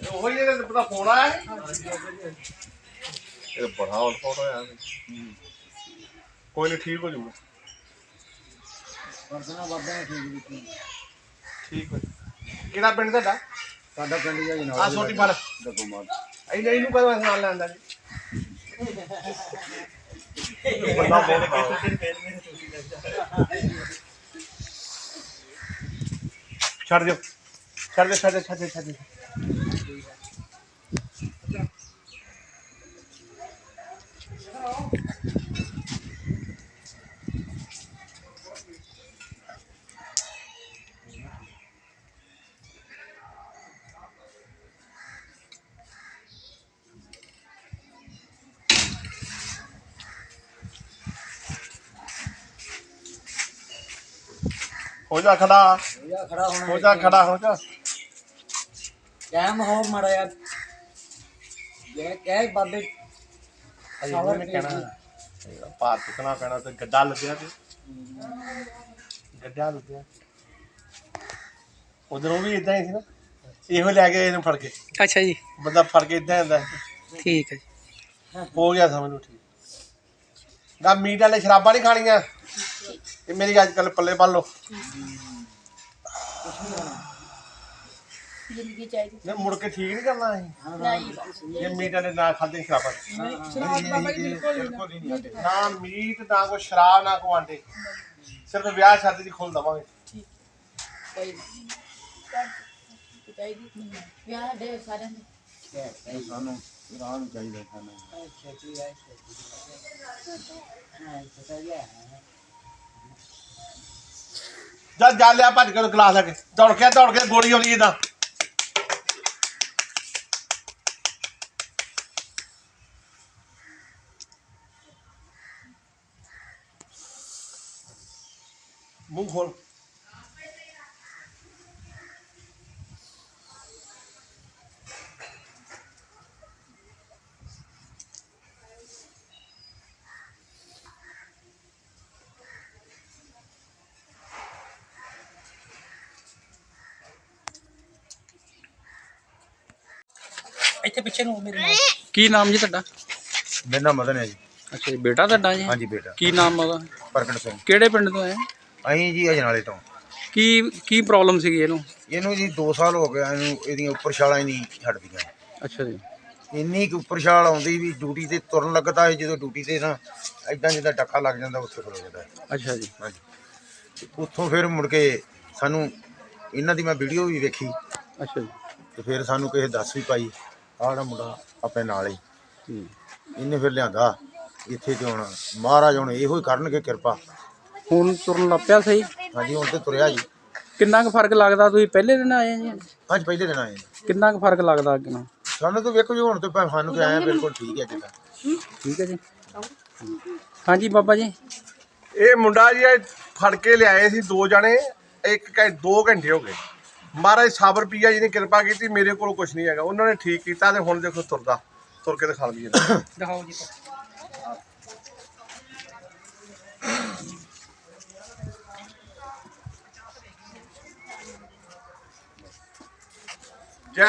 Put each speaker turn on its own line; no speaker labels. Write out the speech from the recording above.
ਉਹੀ ਇਹਦੇ ਪਤਾ ਫੋਨ ਆਇਆ ਇਹ ਬੜਾ ਆਊਟ ਹੋਇਆ ਕੋਈ ਨਹੀਂ ਠੀਕ ਹੋ ਜਾਊਗਾ
ਪਰਸਨਾ ਬਾਬਾ ਨੇ
ਠੀਕ ਹੋ ਕਿਹੜਾ ਪਿੰਡ ਤੁਹਾਡਾ
ਸਾਡਾ ਪਿੰਡ ਹੀ ਜਨਾਬ
ਆ ਛੋਟੀ ਫੜ
ਦਗੋਮਾਰ
ਇਹਨੂੰ ਕਦੋਂ ਨਾਲ ਲੈਂਦਾ ਜੀ ਬੰਦਾ ਬਹੁਤ ਛੱਡ ਦਿਓ हो जा खड़ा हो जा
कैम हो माड़ा यार ये क्या है बाबे
सावर ने कहना पार चुकना पैना तो गड्ढा लग्या ते गड्ढा लग्या उधरों भी इदां ही सी ना इहो ले गए इन्हू फड़ के
अच्छा जी
बंदा फड़ के इदां आंदा
ठीक है
हो गया समझ लो ठीक ना मीट वाले शराबां नहीं खानियां ये मेरी आजकल पल्ले पाल लो
जिंदगी चाहिए
नहीं मुड़ के ठीक नहीं करना है ये मीट वाले ना खाते शराबा ना मीट ना कोई शराब ना कोई आंडे सिर्फ ब्याह शादी दी खोल दवांगे
ਵਿਆਹ ਦੇ ਸਾਰਿਆਂ ਦੇ
ਸਾਨੂੰ ਰਾਹ ਨੂੰ ਚਾਹੀਦਾ ਖਾਣਾ
जा लिया भज के गिलास लगे दौड़ के गोली आनी इदा मुंह खोल
ਇੱਥੇ ਪਿੱਛੇ ਨੂੰ ਮੇਰੇ ਨਾਲ ਕੀ ਨਾਮ ਜੀ ਤੁਹਾਡਾ
ਮੇਰਾ ਨਾਮ ਮਦਨ ਹੈ ਜੀ
ਅੱਛਾ ਜੀ ਬੇਟਾ ਤੁਹਾਡਾ ਜੀ
ਹਾਂਜੀ ਬੇਟਾ
ਕੀ ਨਾਮ ਉਹਦਾ
ਪ੍ਰਗਟ ਸਿੰਘ
ਕਿਹੜੇ ਪਿੰਡ ਤੋਂ ਆਏ
ਅਸੀਂ ਜੀ ਅਜਨਾਲੇ ਤੋਂ
ਕੀ ਪ੍ਰੋਬਲਮ ਸੀਗੀ
ਇਹਨੂੰ ਜੀ 2 ਸਾਲ ਹੋ ਗਏ ਇਹਨੂੰ ਇਹਦੀਆਂ ਉੱਪਰ ਛਾਲਾਂ ਹੀ ਨਹੀਂ ਛੱਡਦੀਆਂ
ਅੱਛਾ ਜੀ
ਇੰਨੀ ਕੁ ਉੱਪਰ ਛਾਲ ਆਉਂਦੀ ਵੀ ਡਿਊਟੀ ਤੇ ਤੁਰਨ ਲੱਗਦਾ ਹੈ ਜਦੋਂ ਡਿਊਟੀ ਤੇ ਨਾ ਇਦਾਂ ਜਿੱਦਾਂ ਡੱਕਾ ਲੱਗ ਜਾਂਦਾ ਉੱਥੇ ਖਲੋ ਜਾਂਦਾ
ਅੱਛਾ ਜੀ
ਹਾਂਜੀ ਉੱਥੋਂ ਫਿਰ ਮੁੜ ਕੇ ਸਾਨੂੰ ਇਹਨਾਂ ਦੀ ਮੈਂ ਵੀਡੀਓ ਵੀ ਵੇਖੀ
ਅੱਛਾ ਜੀ
ਤੇ ਫਿਰ ਸਾਨੂੰ ਕਿਸੇ ਦੱਸ ਵੀ ਪਾਈ ਆਹ ਜਿਹੜਾ ਮੁੰਡਾ ਆਪਣੇ ਨਾਲ ਹੀ ਇਹਨੇ ਫਿਰ ਲਿਆਂਦਾ ਇੱਥੇ ਤੇ ਹੁਣ ਮਹਾਰਾਜ ਹੁਣ ਇਹੋ ਹੀ ਕਰਨਗੇ ਕਿਰਪਾ
ਹੁਣ ਤੁਰਨ ਲੱਗ ਪਿਆ ਸਹੀ
ਹਾਂਜੀ ਹੁਣ ਤੇ ਤੁਰਿਆ ਜੀ
ਕਿੰਨਾ ਕੁ ਫਰਕ ਲੱਗਦਾ ਤੁਸੀਂ ਪਹਿਲੇ ਦਿਨ ਆਏ ਜੀ
ਅੱਜ ਪਹਿਲੇ ਦਿਨ ਆਏ
ਕਿੰਨਾ ਕੁ ਫਰਕ ਲੱਗਦਾ ਅੱਗੇ ਨਾਲ
ਸਾਨੂੰ ਤਾਂ ਵੇਖੋ ਜੀ ਹੁਣ ਤੇ ਸਾਨੂੰ ਤੇ ਆਇਆ ਬਿਲਕੁਲ ਠੀਕ ਹੈ ਜਿੱਦਾਂ
ਠੀਕ ਹੈ ਜੀ ਹਾਂਜੀ ਬਾਬਾ ਜੀ
ਇਹ ਮੁੰਡਾ ਜੀ ਫੜ ਕੇ ਲਿਆਏ ਸੀ 2 ਜਣੇ 2 ਘੰਟੇ ਹੋ ਗਏ ਮਹਾਰਾਜ ਸਾਬਰ ਪੀਆ ਜੀ ਨੇ ਕਿਰਪਾ ਕੀਤੀ ਮੇਰੇ ਕੋਲ ਕੁਝ ਨਹੀਂ ਹੈਗਾ ਉਹਨਾਂ ਨੇ ਠੀਕ ਕੀਤਾ ਤੇ ਹੁਣ ਦੇਖੋ ਤੁਰਦਾ ਤੁਰ ਕੇ ਦਿਖਾ ਲਈਏ
ਦਿਖਾਓ ਜੀ